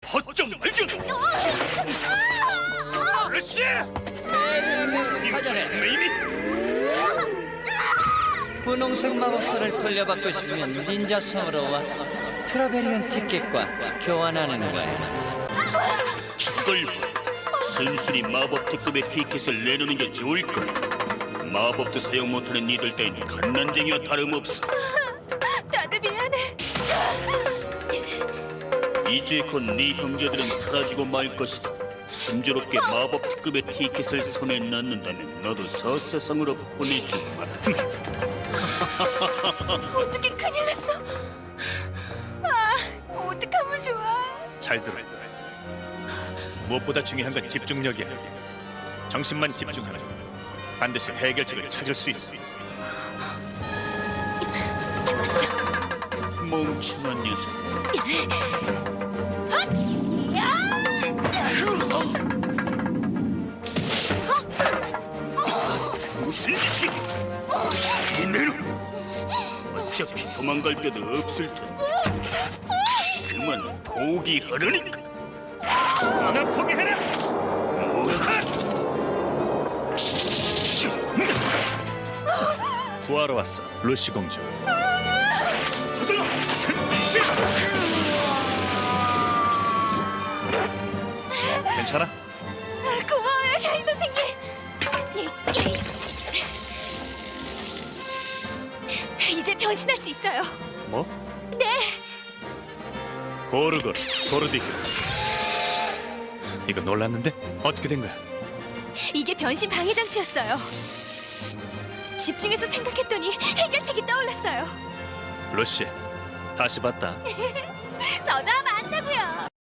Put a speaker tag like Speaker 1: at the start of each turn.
Speaker 1: 허점 발견! 러시!
Speaker 2: 찾아내.
Speaker 1: 이미
Speaker 2: 분홍색 마법사를 돌려받고 싶으면 닌자 성으로 와. 트라베리언 티켓과 교환하는 거야.
Speaker 1: 이걸 순순히 마법 특급의 티켓을 내놓는 게 좋을 거야. 마법도 사용 못하는 니들 따윈 갓난쟁이와 다름없어.
Speaker 3: 다들 미안해.
Speaker 1: 이제 곧 네 형제들은 사라지고 말 것이다. 순조롭게 마법 특급의 티켓을 손에 넣는다면 너도 저 세상으로 보내주마.
Speaker 3: 어떻게 큰일 났어? 아, 어떡하면 좋아?
Speaker 4: 잘 들어. 무엇보다 중요한 건 집중력이야. 정신만 집중하면 반드시 해결책을 찾을 수 있어.
Speaker 3: 좋았어.
Speaker 1: 멍청한 녀석. 무슨 짓이야? 이내는 어차피 도망갈 데도 없을 텐데. 그만 포기하려니까. 하나 포기해라.
Speaker 4: 구하러 왔어, 루시 공주. 괜찮아?
Speaker 3: 고마워요, 샤인 선생님. 이제 변신할 수 있어요.
Speaker 4: 뭐?
Speaker 3: 네.
Speaker 4: 고르고 고르디그. 이거 놀랐는데? 어떻게 된 거야?
Speaker 3: 이게 변신 방해 장치였어요. 집중해서 생각했더니 해결책이 떠올랐어요.
Speaker 4: 루시, 다시 봤다.
Speaker 3: 저도 하면 안다고요.